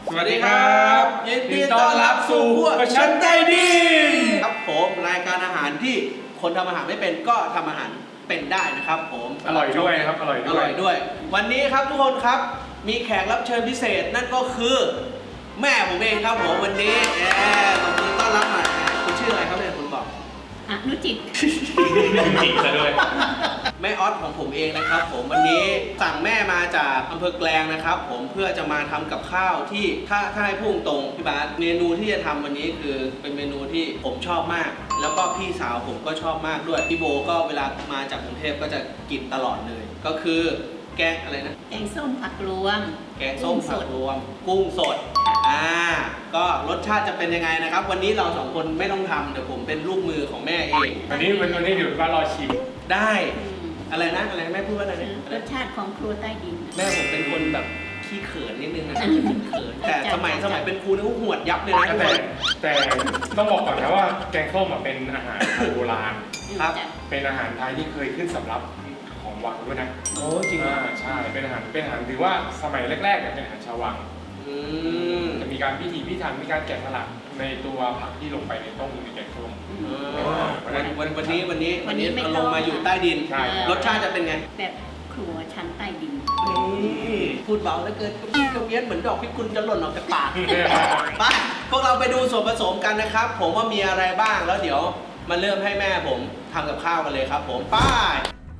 สวัสดีครับยินดีต้อนรับสู่พวกฉันใจดีครับผมรายการอาหารที่คนทำอาหารไม่เป็นก็ทำอาหารเป็นได้นะครับผมอร่อยด้วยครับอร่อยด้วยวันนี้ครับทุกคนครับมีแขกรับเชิญพิเศษนั่นก็คือแม่ผมเองครับผมวันนี้ตบมือต้อนรับหน่อยคุณชื่ออะไรครับเนี่ยคุณบอกอนุจิตจิตซะด้วยแม่ออสของผมเองนะครับผมวันนี้สั่งแม่มาจากอำเภอแกลงนะครับผมเพื่อจะมาทำกับข้าวที่ถ้าให้พุ่งตรงพี่บาสเมนูที่จะทำวันนี้คือเป็นเมนูที่ผมชอบมากแล้วก็พี่สาวผมก็ชอบมากด้วยพี่โบก็เวลามาจากกรุงเทพก็จะกินตลอดเลยก็คือแกงอะไรนะแกงส้มผักรวมแกงส้มผักรวมกุ้งสดก็รสชาติจะเป็นยังไงนะครับวันนี้เราสองคนไม่ต้องทำเดี๋ยวผมเป็นลูกมือของแม่เองวันนี้เดี๋ยวก็รอชิมได้อะไรนะอะไรแม่พูดว่าอะไรนะรสชาติของครัวใต้ดินแม่ผมเป็นคนแบบขี้เขินนิดนึงนะเขินแต่สมัยเป็นครูนี่ก็หวดยับเลยนะแต่ต้องบอกก่อนนะว่าแกงส้มเป็นอาหารโบราณครับเป็นอาหารไทยที่เคยขึ้นสำรับของวังด้วยนะโอ้จริงใช่เป็นอาหารถือว่าสมัยแรกๆเป็นอาหารชาววังจะมีการพิถีพิถันมีการแกะสลักในตัวผักที่ลงไปในต้มในแกงส้มวันนี้ลงมาอยู่ใต้ดินรสชาติจะเป็นไงแบบครัวชั้นใต้ดินพูดเบาแล้วเกินกระเวียนเหมือนดอกพิกุลจะหล่นออกจากปากไปพวกเราไปดูส่วนผสมกันนะครับผมว่ามีอะไรบ้างแล้วเดี๋ยวมาเริ่มให้แม่ผมทำกับข้าวกันเลยครับผมป้าย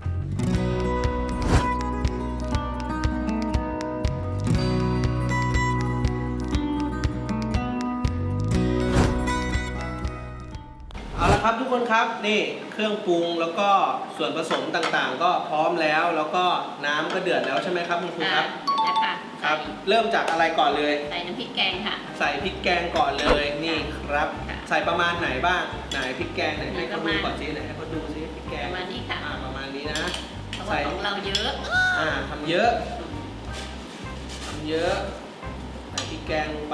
เอาละครับทุกคนครับนี่เครื่องปรุงแล้วก็ส่วนผสมต่างๆก็พร้อมแล้วแล้วก็น้ำก็เดือดแล้วใช่ไหมครับคุณครูครับแล้วค่ะครับเริ่มจากอะไรก่อนเลยใส่น้ำพริกแกงค่ะใส่พริกแกงก่อนเลยนี่ครับใส่ประมาณไหนบ้างไหนพริกแกงไหนให้เขาดูก่อนสิไหนให้เขาดูสิพริกแกงประมาณนี้ค่ะประมาณนี้นะใส่ของเราเยอะทำเยอะใส่พริกแกงลงไป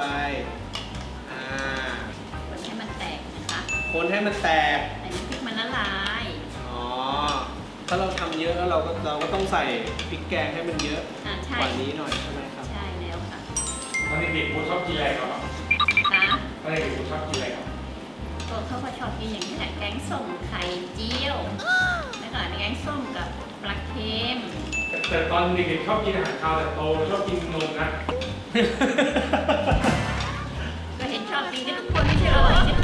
คนให้มันแตกนะคะคนให้มันแตกใส่พริกมันละลายถ้าเราทำเยอะแล้วเราก็ต้องใส่พริกแกงให้มันเยอะกว่านี้หน่อยใช่ไหมครับใช่แล้วค่ะตอนเด็กๆคุณชอบกินอะไรครับตอนเด็กๆคุณชอบกินอะไรครับเขาก็ชอบกินอย่างนี้แหละแกงส้มไข่เจียวแล้วก็แกงส้มกับปลาเค็มแต่ตอนเด็กๆชอบกินอาหารคาวแต่โตชอบกินนมนะก็เห็นชอบกินกันทุกคนไม่ใช่เหรอ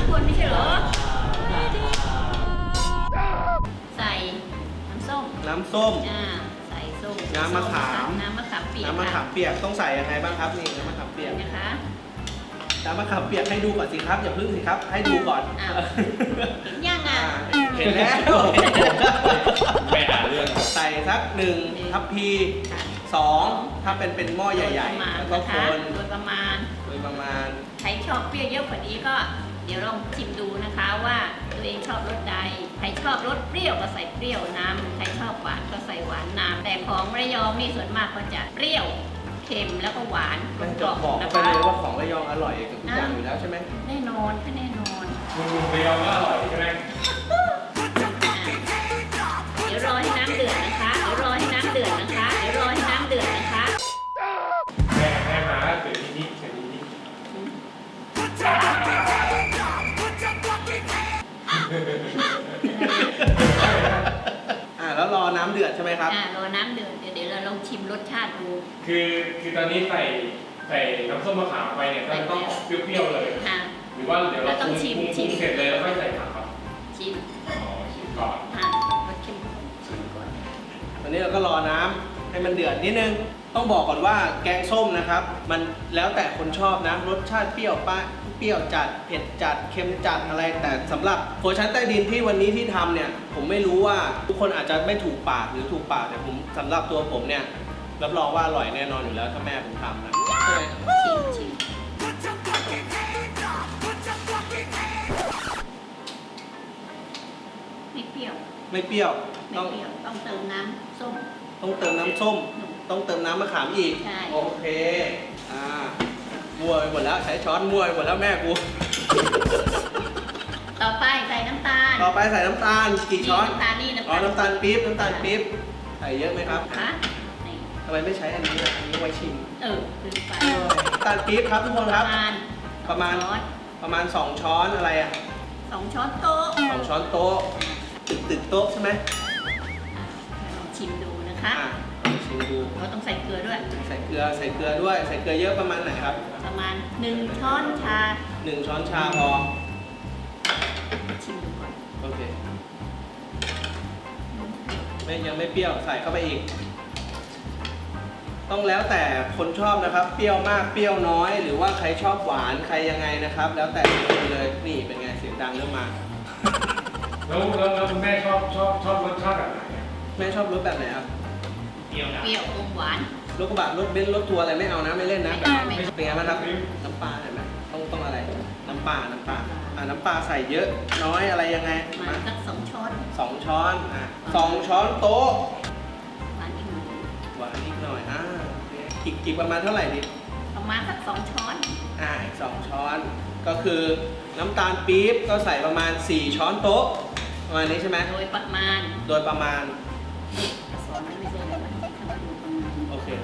ใส่น้ำส้มใส่ส้มน้ำมะขามเปียกต้องใส่ยังไงบ้างครับนี่น้ำมะขามเปียกนะคะน้ำมะขามเปียกให้ดูก่อนสิครับอย่าพึ่งสิครับให้ดูก่อนเห็นยังเห็นแล้วไม่หาเรื่องใส่สัก1 ทัพพี2ถ้าเป็นหม้อใหญ่ๆแล้วก็คนโดยประมาณใครชอบเปรี้ยวเยอะกว่านี้ก็เดี๋ยวลองชิมดูนะคะว่าตัวเองชอบรสใดใครชอบรสเปรี้ยวก็ใส่เปรี้ยวน้ำใครชอบหวานก็ใส่หวานน้ำแต่ของระยองนี่ส่วนมากก็จะเปรี้ยวเค็มแล้วก็หวานกลมกล่อมนะคะไปเลยว่าของระยองอร่อยทุกอย่างอยู่แล้วใช่ไหมแน่นอนระยองก็อร่อยใช่ไหมเดี๋ยวรอให้น้ำเดือดนะคะแม่มาเดือดนิดแล้วรอน้ำเดือดใช่ไหมครับรอน้ำเดือดเดี๋ยวเราลองชิมรสชาติดูคือตอนนี้ใส่น้ำส้มมะขามไปเนี่ยก็ต้องเปรี้ยวๆเลยหรือว่าเดี๋ยวเราปรุงเสร็จเลยแล้วค่อยใส่ผักครับชิมก่อนรสชิมก่อนตอนนี้เราก็รอน้ำให้มันเดือดนิดนึงต้องบอกก่อนว่าแกงส้มนะครับมันแล้วแต่คนชอบนะรสชาติเปรี้ยวจัดเผ็ดจัดเค็มจัดอะไรแต่สำหรับครัวชั้นใต้ดินที่วันนี้ที่ทำเนี่ยผมไม่รู้ว่าทุกคนอาจจะไม่ถูกปากหรือถูกปากแต่ผมสำหรับตัวผมเนี่ยรับรองว่าอร่อยแน่นอนอยู่แล้วถ้าแม่ผมทำนะใช่ไหมชิมไม่เปรี้ยวต้องเติมน้ำส้มต้องเติมน้ำมะขามอีกโอเคมั่วไปหมดแล้วใช้ช้อนมั่วไปหมดแล้วแม่กูต่อไปใส่น้ำตาลกี่ช้อนน้ำตาลนี่น้ำตาลปี๊บใส่เยอะไหมครับผไมไม่ใช้อันนี้ล่ะอันนี้ไว้ชิมลืมไปน้ำตาลปี๊บครับทุกคนครับ ประมาณช้อนประมาณ2 ช้อนอะไรอ่ะ 2 ช้อนโต๊ะ 2 ช้อนโต๊ะตึกโต๊ะใช่ไหมลองชิมดูนะคะอ่ะชิมดูเราต้องใส่เกลือด้วยใส่เกลือด้วยใส่เกลือเยอะประมาณไหนครับประมาณ1 ช้อนชา 1 ช้อนชาพอชิมดูก่อนโอเคยังไม่เปรี้ยวใส่เข้าไปอีก ต้องแล้วแต่คนชอบนะครับ เปรี้ยวมากเปรี้ยวน้อย หรือว่าใครชอบหวานใครยังไงนะครับ แล้วแต่คนเลยนี่เป็นไงเสียงดังเริ่มมาแล้วคุณแม่ชอบรสชาติแบบไหนอะแม่ชอบรสแบบไหนครับเปรี้ยวนะเปรี้ยวอมหวานรถกระบะรถเบนซ์รถทัวร์อะไรไม่เอานะไม่เล่นนะไม่เอาไม่เอาเป็นไงบ้างครับน้ำปลาเห็นไหมต้องอะไรน้ำปลาน้ำปลาใส่เยอะน้อยอะไรยังไงประมาณสัก2 ช้อน 2 ช้อน2 ช้อนโต๊ะหวานอีกหน่อยหวานนิดหน่อยกี่ประมาณเท่าไหร่ดิประมาณสัก2 ช้อนอีก2 ช้อนก็คือน้ำตาลปี๊บก็ใส่ประมาณ4 ช้อนโต๊ะประมาณนี้ใช่ไหมโดยประมาณโดยประมาณสอนไม่ใช่อะไรนะถ้ามาดูประมาณโอเค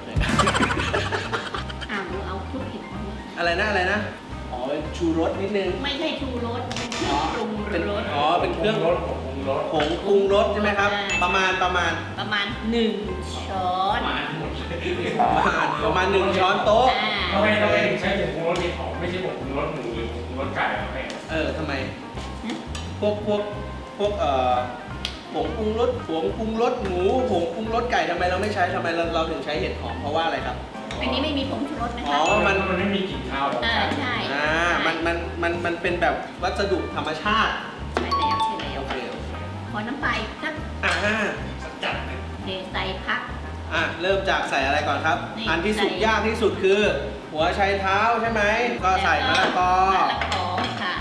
ดูเอาคลุกผิดอะไรนะอ๋อเป็นชูรสนิดนึงไม่ใช่ชูรสเป็นเครื่องปรุงรสเป็นเครื่องรสผงรสผงปรุงรสใช่ไหมครับใช่ประมาณประมาณ1 ช้อนประมาณ1 ช้อนโต๊ะทำไมถึงใช้ผงปรุงรสเห็ดหอมไม่ใช่ผงปรุงรสหมูหรือผงปรุงรสไก่อะแม่ทำไมพวกผงปรุงรสหมูผงปรุงรสไก่ทำไมเราไม่ใช้ทำไมเราถึงใช้เห็ดหอมเพราะว่าอะไรครับอันนี้ไม่มีผงชูรสนะอ๋คะอมันไม่มีกลิ่นคาวของไก่ใช่มันเป็นแบบวัสดุธรรมชาติใช่แล้วใช่แล้วโอเคขอน้ำปลาอีกสักจัดเลยเทใส่พักเริ่มจากใส่อะไรก่อนครับนี่อันที่สุดใส่ยากที่สุดคือ หัวไชเท้าใช่ไหมก็ใส่มะละกอมะละกอค่ะ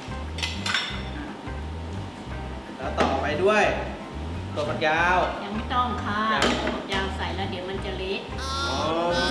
แล้วต่อไปด้วยตัวฝักยาวยังไม่ต้องค่ะยังถั่วฝักยาวใส่แล้วเดี๋ยวมันจะเละอ๋อ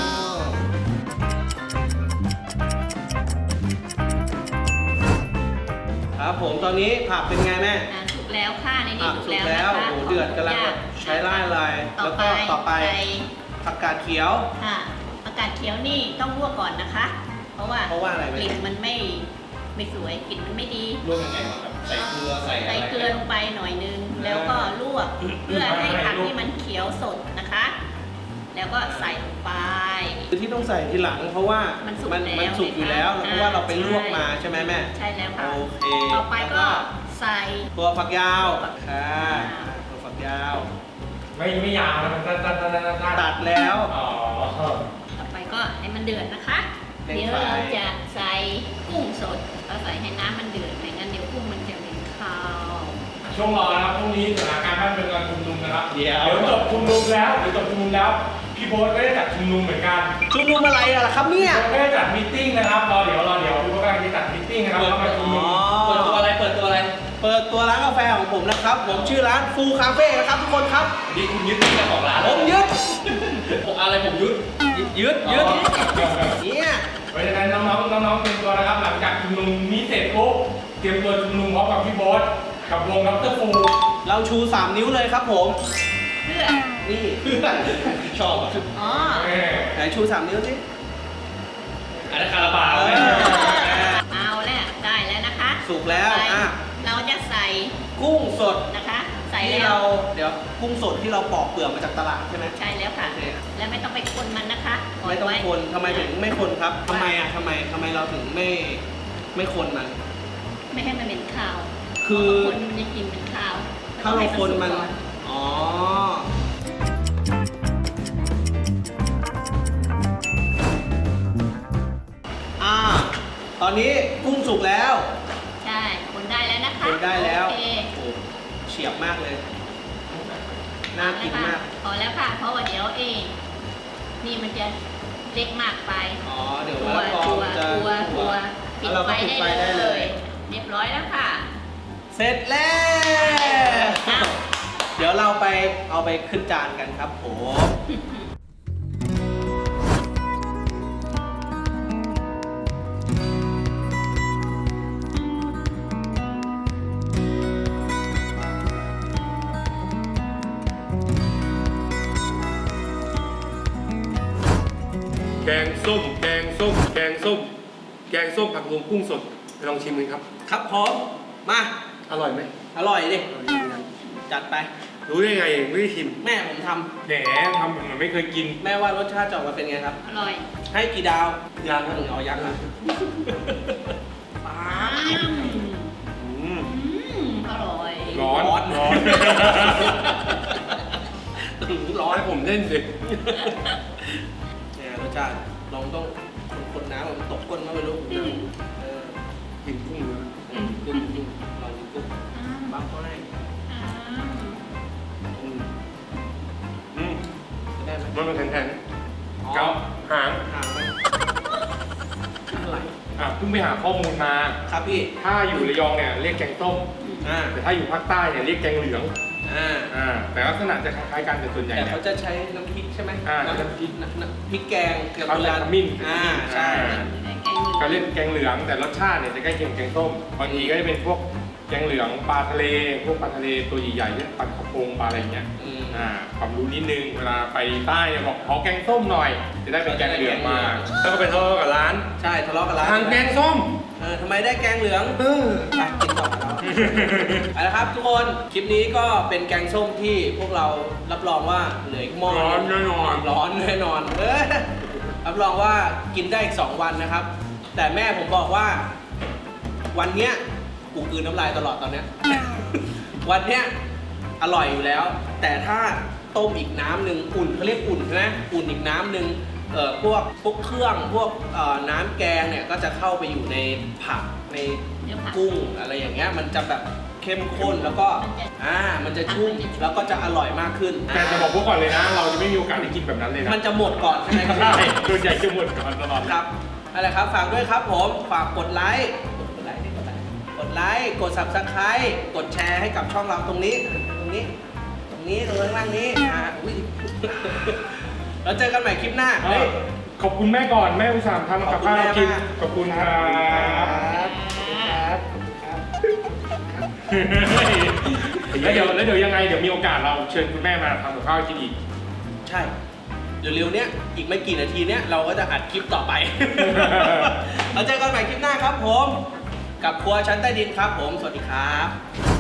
ครับผมตอนนี้ผักเป็นไงแม่สุกแล้วค่ะในนี้ผักสุกสุกแล้วแล้วนะคะโอ้โหเดือดกำลังแบบใช้ไล่ลายต่แล้วก็ต่อไปใส่ผักกาดเขียวค่ะผักกาดเขียวนี่ต้องลวกก่อนนะคะ เพราะว่าอะไรกไหมลิ่นมันไม่สวยกลิ่นมันไม่ดีลวกยังไงครับใส่เกลือใส่อะไรใส่เกลือลงไปหน่อยนึง แล้วก็ลวกเพื่อให้ผักที่มันเขียวสดนะคะ แล้วก็ใส่ลงไปคือที่ต้องใส่ทีหลังเพราะว่ามันสุกมันแล้วสุกอยู่แล้วนะคะเพราะว่าเราไปลวกมาใช่ไหมแม่ใช่แล้วค่ะโอเคต่อไปก็ใส่ตัวฝักยาวค่ะตัวฝักยาวไม่ยาวนะมันตัดตัดแล้วอ๋อต่อไปก็ให้มันเดือดนะคะเร่งเดี๋ยวไฟเราจะใส่กุ้งสดเราใส่ให้น้ำมันเดือดไม่งั้นเดี๋ยวกุ้งมันจะเหม็นคาวช่วงรอนะครับพรุ่งนี้สถานการณ์บ้านเมืองการชุมนุมนะครับเดี๋ยวจบชุมนุมแล้วพี่โบ๊ทก็ได้จัดชุมนุมเหมือนกันชุมนุมอะไรอะล่ะครับเนี่ยก็ได้จัดมีตติ้งนะครับรอเดี๋ยวพี่โบ๊ทกำลังจะจัดมีตติ้งนะครับเข้ามาชุมนุมเปิดตัวอะไร เปิดตัวร้านกาแฟของผมนะครับ ผมชื่อร้านฟูคาเฟ่นะครับทุกคนครับนี่คุณยึดเจ้าของร้านผมยึดอะไรผมยึดยึดเนี่ยเพราะฉะนั้นน้องๆเตรียมตัวนะครับหลังจากชุมนุมนี้เสร็จปุ๊บเตรียมตัวชุมนุมพร้อมกับพี่โบ๊ทกับวงดรฟูเราชู 3 นิ้วเลยครับผมเพื่อนี่ ชอบอ่ะอ๋อไหนชู 3 นิ้วสิอันนั้นคาราบาวเอาแล้วได้แล้วนะคะสุกแล้วไปอ่ะเราจะใส่กุ้งสดนะคะ ใส่ที่แล้เราวเดี๋ยวกุ้งสดที่เราปอกเปลือกมาจากตลาดใช่ไหมใช่แล้วค่ะโอเคแล้วไม่ต้องไปคนมันนะคะปล่ไม่ต้องว้คนทำไมถึงไม่คนครับทำไมเราถึงไม่คนมันไม่ให้มันเหม็นคาวคือคนมันจะกินเป็นคาวถ้าเราคนมันต้องให้สุกก่ออ๋อ ตอนนี้กุ้งสุกแล้วใช่คนได้แล้วนะคะคนได้แล้วโอเคโอ้เฉียบมากเลย น่ากินมากพอแล้วค่ะเพราะว่าเดี๋ยวนี่มันจะเล็กมากไปอ๋อ เดี๋ยวตัมะวละกอตัวมันจะตัวปิแล้วดเราไฟก็ปิดไฟได้ได้เลเลยย เรียบร้อยแล้วค่ะเสร็จแล้วอ้าวเดี๋ยวเราไปเอาไปขึ้นจานกันครับผมแกงส้ม แกงส้ม แกงส้ม แกงส้มผักรวมกุ้งสดไปลองชิมกันครับครับผมมาอร่อยไหมอร่อยดิจัดไปรู้ได้ไงไม่ได้ชิมแม่ผมทแหนทำเหมือนไม่เคยกินำแม่ว่ารสชาติจะออกมาเป็นไงครับอร่อยให้กี่ดาวยังหนึ่งเอายักษ์อ่ะอืมอร่อยร้อนร้อนร้อนร้อนให้ผมเล่นสิเนี่ยรสชาติลองต้องคนน้ำมันตกก้นมาไม่รู้เออกินกุ้งเลยกุ้งลองกินกุ้งบัฟเขาให้อืมอืมจะได้ไหมมันเป็นแทนอ๋อๆเกาหางห่างไปอะไรเพิ่งไปหาข้อมูลมาครับพี่ถ้าอยู่ระยองเนี่ยเรียกแกงส้ม แต่ถ้าอยู่ภาคใต้เนี่ยเรียกแกงเหลือง แต่ลักษณะจะคล้ายๆกันแต่ส่วนใหญ่แต่เนี่ยเขาจะใช้น้ำพริกใช่ไหมน้ำพริกพริกแกงกับเขาใส่ขมิ้นใช่ก็เรียกแกงเหลืองแต่รสชาติเนี่ยจะใกล้เคียงแกงส้มบางทีก็จะเป็นพวกแกงเหลืองปลาทะเลพวกปลาทะเลตัวใหญ่ๆเนี่ยปลากระพงปลาอะไรอย่างเงี้ยความรู้นิดนึงเวลาไปใต้เนี่ยบอกขอแกงส้มหน่อย จะได้เป็นแกงเหลืองมาแล้วก็ไปทะเลาะกับร้านใช่ทะเลาะกันแล้วทางแกงส้มทำไมได้แกงเหลืองไปกินต่อเราเอาละครับทุกคนคลิปนี้ก็เป็นแกงส้มที่พวกเรารับรองว่าเหลืออีกหม้อร้อนแน่นอนร้อนแน่นอนรับรองว่ากินได้อีก2 วันนะครับ แต่แม่ผมบอกว่าวันเนี้ยกูกลืนน้ำลายตลอดตอนเนี้ย วันเนี้ยอร่อยอยู่แล้ว แต่ถ้าต้มอีกน้ำหนึ่งอุ่นเขาเรียกอุ่นใช่ไหมอุ่นอีกน้ำหนึ่งพวกเครื่องพวกน้ำแกงเนี่ยก็จะเข้าไปอยู่ในผักในกุ้งอะไรอย่างเงี้ยมันจะแบบเข้มข้นแล้วก็มันจะชุ่มแล้วก็จะอร่อยมากขึ้นแต่จะบอกพวกก่อนเลยนะ เราจะไม่มีโอกาสได้กินแบบนั้นเลยนะมันจะหมดก่อนใช่ไหมครับใช่ส่วนใหญ่จะหมดก่อนตลอดครับอะไรครับฝากด้วยครับผมฝากกดไลค์กดไลค์กด Subscribe กดแชร์ให้กับช่องเราตรงนี้ตรงข้างล่างนี้อุ้ย แล้วเจอกันใหม่คลิปหน้าขอบคุณแม่ก่อนแม่อุตส่าห์ทำกับข้าวให้กินขอบคุณครับ แล้วเดี๋ยวยังไงเดี๋ยวมีโอกาสเราเชิญคุณแม่มาทำกับข้าวให้กินอีกใช่เดี๋ยวเร็วเนี้ยอีกไม่กี่นาทีเนี้ยเราก็จะอัดคลิปต่อไป แล้วเจอกันใหม่คลิปหน้าครับผมกับครัวชั้นใต้ดินครับผมสวัสดีครับ